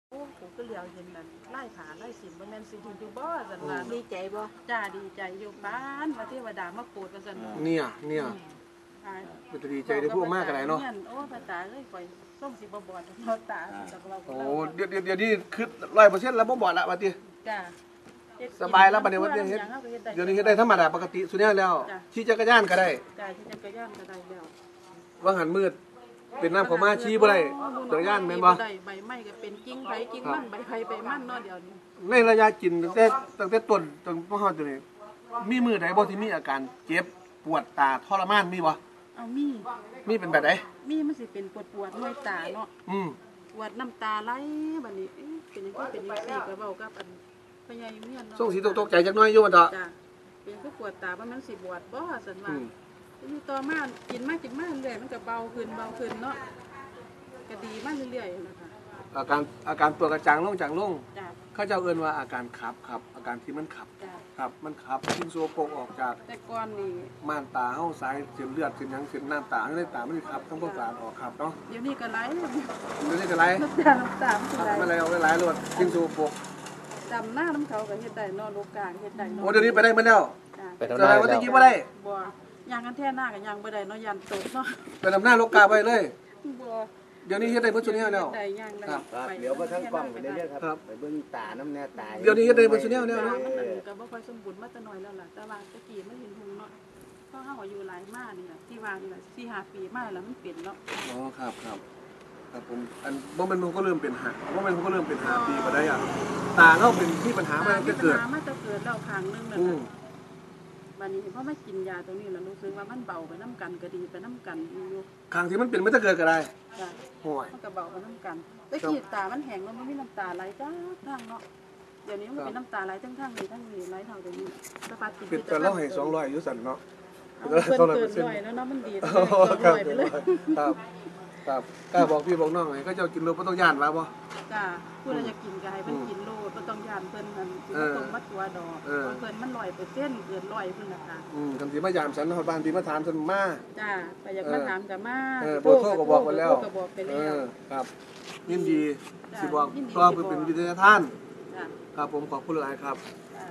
โอ้ผมก็เหลียวเห็นนั่นไล่ขาไล่สินบ่แม่นสิอยู่บ่ซั่นว่าดีใจบ่จ้าดีใจอยู่บ้านว่าเทวดามาโปรดว่าซั่นเนี่ยมันจะดีใจได้พูดมากกันไหนเนาะโอ้ตาเอ้ยข่อยส่งสิบ่บอดเนาะตาจากเราโอ้เดี๋ยวนี้คือ100%แล้วบ่บอดละว่าติจ้าสบายแล้วบัดนี้ว่าเดี๋ยวนี้เฮ็ดได้ธรรมดาปกติสุดแล้วขี่จักรยานก็ได้จ้าขี่จักรยานก็ได้แล้วว่าหันมืดเป็นน้ำของมาชี้บ่ได้จักรยานแม่นบ่ได้ใบไม้ก็เป็นกิ่งไผกิ่งมันใบไผใบมันเนาะเดี๋ยวนี้ในระยะกินตั้งแต่ต้นจนพ่อตัวนี้มีมือใดบ่ที่มีอาการเจ็บปวดตาทรมานมีบ่เอามีเป็นแบบไหนมีมันสิเป็นปวดห้วยตาเนาะปวดน้ำตาไหลบัดนี้เป็นจังซี่ก็เว้ากับอันพญายุเมียนเนาะส่งสีตกใจจักหน่อยอยู่ว่าเถาะจ้ะเป็นคือปวดตาว่ามันสิบวดบ่ซั่นว่าอยู่ต่อมากินมาเรื่อยมันก็เบาขึ้นเนาะก็ดีมาเรื่อยๆนะคะอาการตัวกระจางลงจางลงเขาเจ้าเอิ้นว่าอาการขับอาการที่มันขับครับมันขับทิ้งโซโปกออกจากแต่ก่อนนี่ม่านตาเฮาสายเส้นเลือดเส้นหยังเส้นน้ำตาในตามันขับทั้งพวกสารออกขับเนาะเดี๋ยวนี้ก็ไหลเดี๋ยวนี้ก็ไหลน้ำตามันไหลเอาไหลรวดทิ้งโซโปกจำหน้าน้ำเขาก็เฮ็ดได้เนาะโลกาเฮ็ดได้เนาะโอ้เดี๋ยวนี้ไปได้มาแล้วไปทำหน้าว่าตะกี้บ่ได้บ่ย่างกันแท้หน้าก็ย่างบ่ได้เนาะยันตกเนาะไปทำหน้าโลกาไปเลยบ่เดี๋ยวนี้เฮ็ดได้เบิดซุแนวแล้วครับเดี๋ยวมาทั้งกล้องไปเรื่อยๆครับไปเบิ่งตาน้ำแน่ตาเดี๋ยวนี้เฮ็ดได้เบิดซุแนวแล้วเนาะก็บ่ค่อยสมบูรณ์มาแต่น้อยแล้วล่ะแต่ว่าตะกี้มันเห็นหุงเนาะเพราะเฮาอายุหลายมานี่ล่ะที่ว่านี่ล่ะ 4-5 ปีมาแล้วมันเป็นเนาะอ๋อครับผมอันบ่แม่นผมก็เริ่มเป็น5ปีบ่ได้อ่ะตาเฮาเป็นที่ปัญหามาตั้งแต่เกิดแล้วครั้งนึงนั่นน่ะบัดนี้พอมากินยาตัวนี้แล้วรู้สึกว่ามันเบาไปน้ำกันก็ดีไปน้ำกันอยู่ครั้งที่มันเป็นมาตั้งแต่เกิดก็ได้จ้ะโอ้ยมันก็เบาไปน้ำกันแต่ขีดตามันแห้งแล้วมันมีน้ำตาไหลจ้าทั้งเนาะเดี๋ยวนี้มันเป็นน้ำตาไหลทั้งนี้ไหลเท่าเดี๋ยวนี้สปาติเป็นแต่เราให้200อยู่สั่นเนาะเกิน100แล้วเนาะมันดี200ไปเลยครับกล้าบอกพี่บอกน้องไงก็เจ้ากินโลบ่ต้องย่านว่าบ่จ้าผู้ใดอยากกินก็ให้เพิ่นกินโลบ่ต้องย่านเพิ่นนั่นสิบ่ต้องมัดตัวดอกเพราะเพิ่นมัน100%เกิน100เพิ่นน่ะค่ะคันสิมายามฉันฮอดบ้านพี่มาถามฉันมาจ้าไปอยากมาถามก็มาโทรก็บอกไปแล้วครับยินดีสิบอกต่อเป็นวิทยาทานครับผมขอบคุณหลายครับ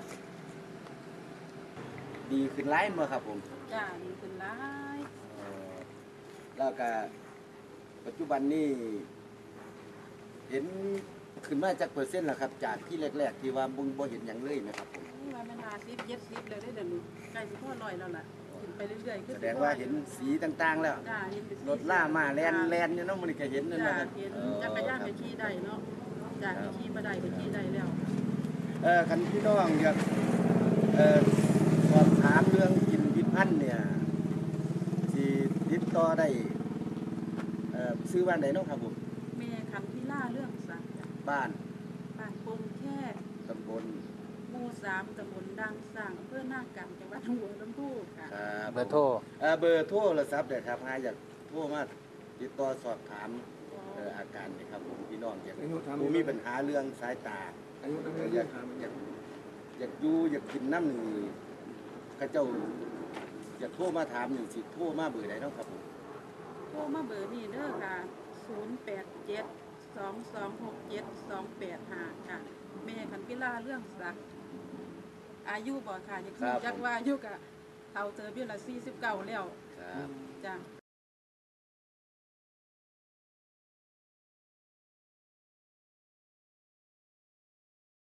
ดีขึ้นหลายบ่ครับผมจ้าดีขึ้นหลายแล้วก็ปัจจุบันนี้เห็นขึ้นมาจากเปอร์เซ็นต์ล่ะครับจากที่แรกๆที่ว่าบ่เห็นหยังเลยนะครับผมว่ามัน50 70แล้วได้เดี๋ยวนี้ใกล้สิพอ100แล้วล่ะขึ้นไปเรื่อยๆแสดงว่าเห็นสีต่างๆแล้วจ้าเห็นรถล่ามาแล่นอยู่เนาะมื้อนี้ก็เห็นนั่นน่ะครับเห็นจักรยานก็ขี่ได้เนาะจ้าขี่บ่ได้ก็ขี่ได้แล้วคันพี่น้องอยากสอบถามเรื่องกินพิษพันธุ์เนี่ยสิติดต่อได้ซื้อบ้านไหนเนาะครับผมแม่คันพิล่าเรื่องสักบ้านปงแค่ตำบลหมู่3ตำบลดังสร้างอำเภอหน้ากำจังหวัดหนองบัวลำพูค่ะเบอร์โทรโทรศัพท์ได้ครับอยากโทรมาติดต่อสอบถามอาการนี่ครับผมพี่น้องอยากมีปัญหาเรื่องสายตาอยากอยู่อยากกินน้ำหนึ่งข้าเจ้าอยากโทรมาถามหนึ่งสิโทรมาเบอร์ไหนเนาะครับผมโทรมาเบอร์นี้เด้อค่ะ087-2267-285ค่ะแม่คันพิล่าเรื่องสักอายุบ่ค่ะอยากรู้จักว่าอายุกะเฒ่าเจอเบี้ยละ49แล้วจ้ะ